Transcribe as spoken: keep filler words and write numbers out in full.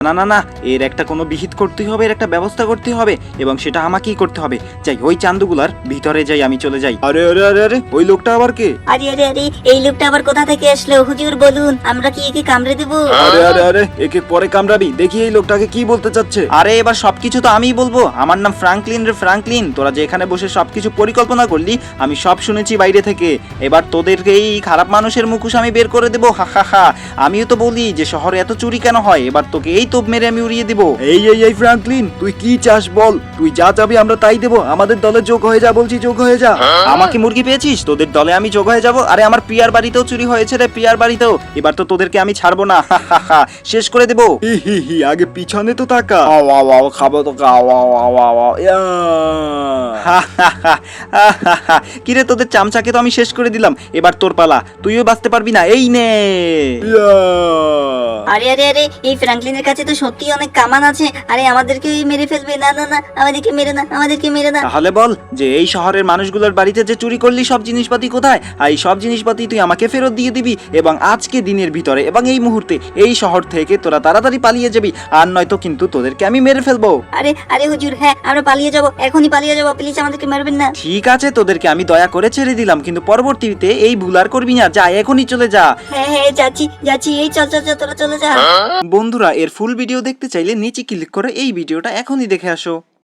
না না না, এর একটা কোনো বিহিত করতে হবে, এর একটা ব্যবস্থা করতে হবে, এবং সেটা আমাকেই করতে হবে। যাই, ওই চান্দুগুলার ভিতরে যাই, আমি চলে যাই। আরে আরে আরে আরে, ওই লোকটা আবার কে? আরে আরে আরে, এই লোকটা আবার কোথা থেকে আসলো? হুজুর বলুন, আমরা কি একে কামড়ে দেবো? আরে আরে আরে, একে পরে কামড়াবি, দেখি এই লোকটাকে কি বলতে চাচ্ছে। আরে এবার সবকিছু তো আমিই বলবো। আমার নাম ফ্রাঙ্কলিন রে ফ্রাঙ্কলিন। তোরা যে এখানে বসে সবকিছু পরিকল্পনা করলি, আমি সব শুনেছি বাইরে থেকে। এবার তোদেরকে এই খারাপ মানুষের মুখোশ আমি বের করে দেবো, হা হা হা। আমিও তো বলি যে শহরে এত চুরি কেন হয়, এবার তোকে এই তোপ মেরে আমি উড়িয়ে দিব। এই এই এই ফ্রাঙ্কলিন, তুই কি চাস বল? তুই যা চাবি আমরা তাই দেবো। আমাদের দলে যোগ হয়ে যা বলছি, যোগ হয়ে যা। আমাকে মুরগি পেয়েছিস? তোদের দলে আমি যোগ হয়ে যাব? আরে আমার প্রিয়ার বাড়িতেও চুরি হয়েছে রে, প্রিয়ার বাড়িতেও। এবার তো তোদেরকে আমি ছাড়বো না, হা হা হা, শেষ করে দেবো। হি হি হি, আগে পিছনে তো তাকা। আও আও আও, খাবো তো খাও, আও আও আও আও, ইয়া। হা হা হা, হা হা হা। কিরে, তোদের চামচাকে তো আমি শেষ করে দিলাম, এবার তোর পালা, তুইও বাঁচতে পারবি না, এই নে। আরে আরে আরে, এই ফ্র্যাঙ্কলিনের কাছে তো সত্যি অনেক কামান আছে। আরে আমাদেরকে মেরে ফেলবে। না না না, আমাদেরকে মেরে না, আমাদেরকে মেরে না। তাহলে বল যে এই শহরের মানুষগুলোর বাড়িতে যে চুরি করলি সব জিনিসপাতি কোথায়? আর এই সব জিনিসপাতি তুই আমাকে ফেরত দিয়ে দিবি, এবং আজকে দিনের ভিতরে এবং এই মুহূর্তে এই শহর থেকে তোরা তাড়াতাড়ি পালিয়ে যাবি, আর নয়তো কিন্তু তোদেরকে আমি মেরে ফেলবো। আরে আরে হুজুর, হ্যাঁ আমরা পালিয়ে যাব, এখনই পালিয়ে যাব, প্লিজ আমাদেরকে মারবেন না। ঠিক আছে, তোদেরকে আমি দয়া করে ছেড়ে দিলাম, কিন্তু পরবর্তীতে এই ভুল আর করবি না। যা, এখনই চলে যা। হ্যাঁ হ্যাঁ, যাচ্ছি যাচ্ছি, এই চল চল চল, তোরা চলে যা। বন্ধুরা, এর ফুল ভিডিও দেখতে চাইলে নিচে ক্লিক করে এই ভিডিওটা এখনই দেখে আসো।